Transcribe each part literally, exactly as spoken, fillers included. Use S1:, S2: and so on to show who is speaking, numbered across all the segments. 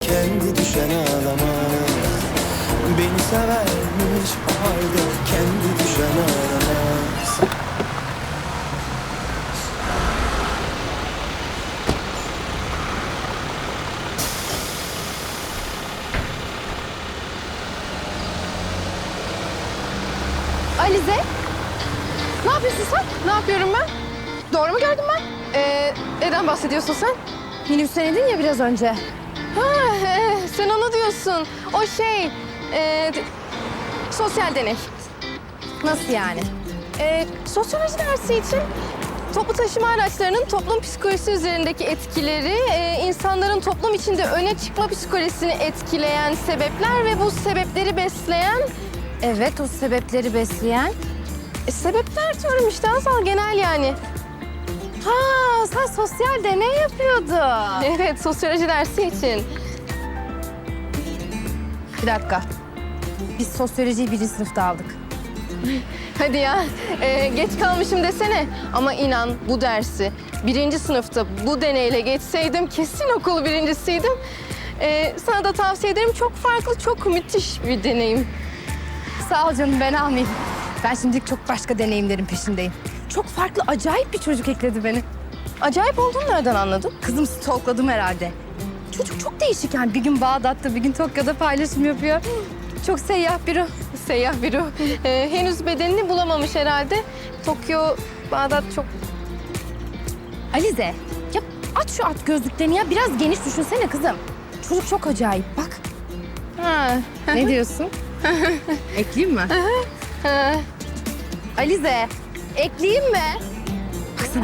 S1: kendi düşen ağlamaz. Beni severmiş o halde kendi düşen ağlamaz.
S2: Alize, ne yapıyorsun sen?
S3: Ne yapıyorum ben? Doğru mu gördüm ben? Ee, neden bahsediyorsun sen?
S2: Minibüsten indin ya biraz önce.
S3: Ha, e, sen onu diyorsun. O şey, e, d- sosyal deney.
S2: Nasıl yani?
S3: E, sosyoloji dersi için toplu taşıma araçlarının toplum psikolojisi üzerindeki etkileri, e, insanların toplum içinde öne çıkma psikolojisini etkileyen sebepler ve bu sebepleri besleyen...
S2: Evet, o sebepleri besleyen.
S3: E, sebepler diyorum işte Hazal, genel yani.
S2: Ha, sen sosyal deney yapıyordun.
S3: Evet, sosyoloji dersi için.
S2: Bir dakika. Biz sosyolojiyi birinci sınıfta aldık.
S3: Hadi ya, ee, geç kalmışım desene. Ama inan bu dersi birinci sınıfta bu deneyle geçseydim kesin okul birincisiydim. Ee, sana da tavsiye ederim. Çok farklı, çok müthiş bir deneyim.
S2: Sağ ol canım, ben almayayım. Ben şimdilik çok başka deneyimlerin peşindeyim. Çok farklı, acayip bir çocuk ekledi beni.
S3: Acayip olduğunu nereden anladın?
S2: Kızım stalkladım herhalde. Çocuk çok değişik yani. Bir gün Bağdat'ta, bir gün Tokyo'da paylaşım yapıyor. Çok seyyah biri.
S3: Seyyah bir ruh. Ee, henüz bedenini bulamamış herhalde. Tokyo, Bağdat çok...
S2: Alize, ya aç şu at gözlüklerini ya. Biraz geniş düşünsene kızım. Çocuk çok acayip, bak.
S3: Ha.
S2: Ne diyorsun? Ekleyeyim mi?
S3: ha.
S2: Alize, ekleyeyim mi? Baksana.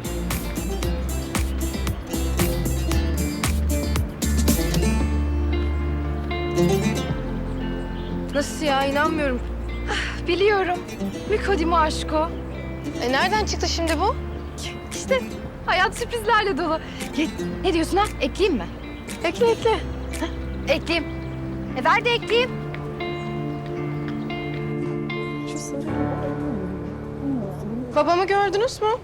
S3: Nasıl ya? İnanmıyorum.
S2: Biliyorum. Mükodimo aşko.
S3: E, nereden çıktı şimdi bu?
S2: İşte hayat sürprizlerle dolu. Ge- Ne diyorsun ha? Ekleyeyim mi?
S3: Ekle, ekle.
S2: Ekleyeyim. E ver de ekleyeyim.
S3: Babamı gördünüz mü?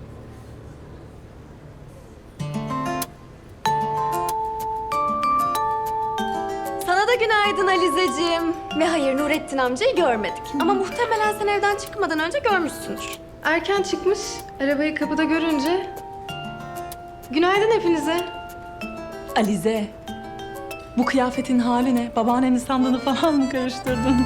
S4: Sana da günaydın Alizeciğim. Ve hayır, Nurettin amcayı görmedik. Ama muhtemelen sen evden çıkmadan önce görmüşsündür.
S3: Erken çıkmış. Arabayı kapıda görünce. Günaydın hepinize.
S5: Alize, bu kıyafetin hali ne? Babaannenin sandığını falan mı karıştırdın?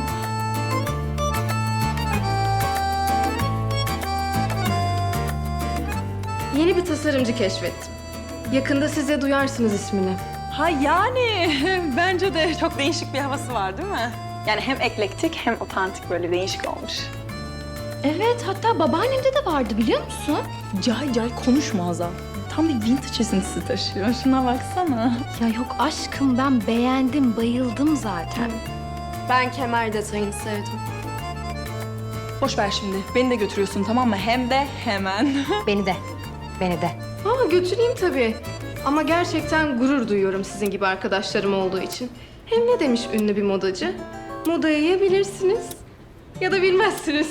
S3: Yeni bir tasarımcı keşfettim. Yakında siz de duyarsınız ismini.
S5: Ha yani, bence de çok değişik bir havası var değil mi? Yani hem eklektik hem otantik, böyle değişik olmuş.
S4: Evet, hatta babaannemde de vardı biliyor musun?
S5: Cay cay konuşma Hazal. Tam bir vintage esintisi taşıyor. Şuna baksana.
S2: Ya yok aşkım, ben beğendim, bayıldım zaten.
S4: Ben kemer detayını sevdim.
S5: Boş ver şimdi. Beni de götürüyorsun tamam mı? Hem de hemen.
S2: Beni de, beni de.
S3: Aa, götüreyim tabii. Ama gerçekten gurur duyuyorum sizin gibi arkadaşlarım olduğu için. Hem ne demiş ünlü bir modacı? Modayı ya bilirsiniz ya da bilmezsiniz.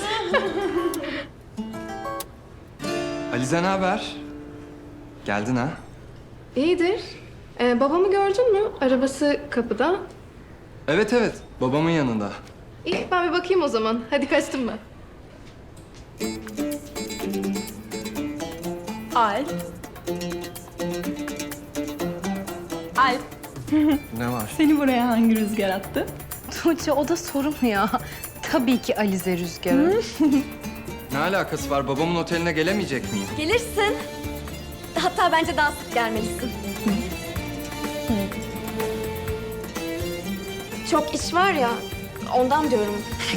S6: Alize ne haber? Geldin ha?
S3: İyidir. Ee, babamı gördün mü? Arabası kapıda.
S6: Evet evet, babamın yanında.
S3: İyi, ben bir bakayım o zaman. Hadi kaçtım ben.
S5: Alp. Alp,
S6: Ne var?
S5: seni buraya hangi rüzgar attı?
S2: Tuğçe, o da soru mu ya? Tabii ki Alize Rüzgarı.
S6: Ne alakası var? Babamın oteline gelemeyecek miyim?
S4: Gelirsin. Hatta bence daha sık gelmelisin. Çok iş var ya, ondan diyorum.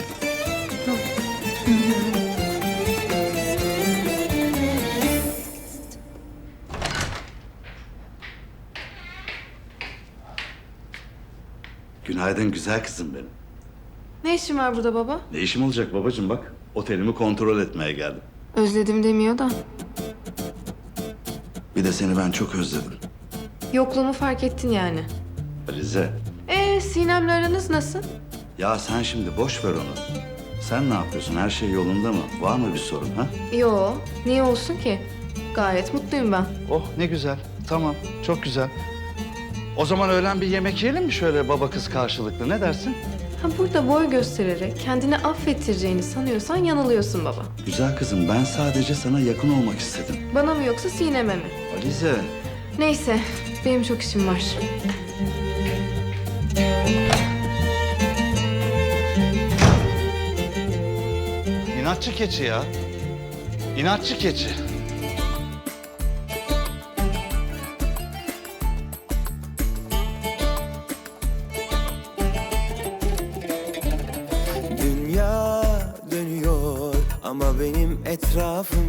S7: Günaydın güzel kızım benim.
S3: Ne işin var burada baba?
S7: Ne işim olacak babacığım bak. Otelimi kontrol etmeye geldim.
S3: Özledim demiyor da.
S7: Bir de seni ben çok özledim.
S3: Yokluğumu fark ettin yani.
S7: Alize.
S3: Ee, Sinem'le aranız nasıl?
S7: Ya sen şimdi boş ver onu. Sen ne yapıyorsun? Her şey yolunda mı? Var mı bir sorun ha?
S3: Yo, niye olsun ki? Gayet mutluyum ben.
S7: Oh ne güzel. Tamam çok güzel. O zaman öğlen bir yemek yiyelim mi şöyle baba kız karşılıklı, ne dersin?
S3: Ha, burada boy göstererek kendini affettireceğini sanıyorsan yanılıyorsun baba.
S7: Güzel kızım, ben sadece sana yakın olmak istedim.
S3: Bana mı yoksa Sinem'e mi?
S7: Alize.
S3: Neyse, benim çok işim var.
S7: İnatçı keçi ya. İnatçı keçi.
S1: Dünya dönüyor ama benim etrafım